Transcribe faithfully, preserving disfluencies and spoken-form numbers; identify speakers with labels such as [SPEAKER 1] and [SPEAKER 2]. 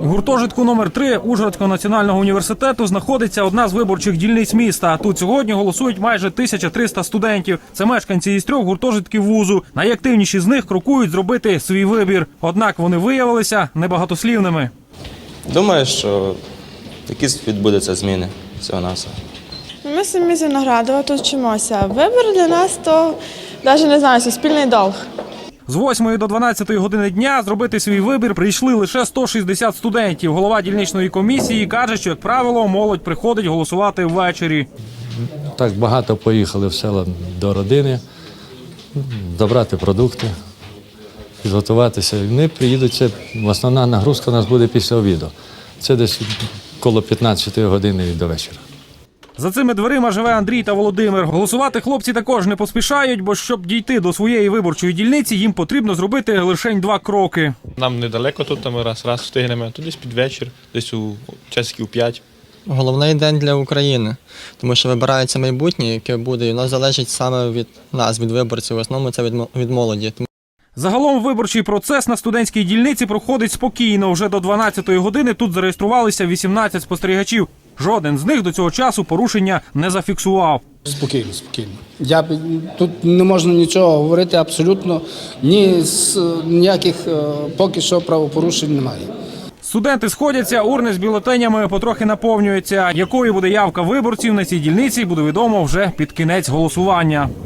[SPEAKER 1] У гуртожитку номер три Ужгородського національного університету знаходиться одна з виборчих дільниць міста. Тут сьогодні голосують майже тисяча триста студентів. Це мешканці із трьох гуртожитків вузу. Найактивніші з них крокують зробити свій вибір. Однак вони виявилися небагатослівними.
[SPEAKER 2] Думаю, що якісь відбудуться зміни всього-навсього.
[SPEAKER 3] Ми самі з Виноградова тут вчимося. Вибір для нас – то, навіть не знаю, суспільний долг.
[SPEAKER 1] З восьмої до дванадцятої години дня зробити свій вибір прийшли лише сто шістдесят студентів. Голова дільничної комісії каже, що, як правило, молодь приходить голосувати ввечері.
[SPEAKER 4] Так багато поїхали в села до родини, забрати продукти, підготуватися. Вони приїдуть, це основна нагрузка у нас буде після обіду. Це десь коло п'ятнадцятої години до вечора.
[SPEAKER 1] За цими дверима живе Андрій та Володимир. Голосувати хлопці також не поспішають, бо щоб дійти до своєї виборчої дільниці, їм потрібно зробити лише два кроки.
[SPEAKER 5] Нам недалеко тут, ми раз-раз встигнемо, то десь під вечір, десь у часиків п'ять.
[SPEAKER 6] Головний день для України, тому що вибирається майбутнє, яке буде, і воно залежить саме від нас, від виборців, в основному це від молоді.
[SPEAKER 1] Загалом виборчий процес на студентській дільниці проходить спокійно. Вже до дванадцятої години тут зареєструвалися вісімнадцять спостерігачів. Жоден з них до цього часу порушення не зафіксував.
[SPEAKER 7] Спокійно, спокійно. Я, тут не можна нічого говорити абсолютно, ні, ніяких поки що правопорушень немає.
[SPEAKER 1] Студенти сходяться, урни з бюлетенями потрохи наповнюються. Якою буде явка виборців на цій дільниці, буде відомо вже під кінець голосування.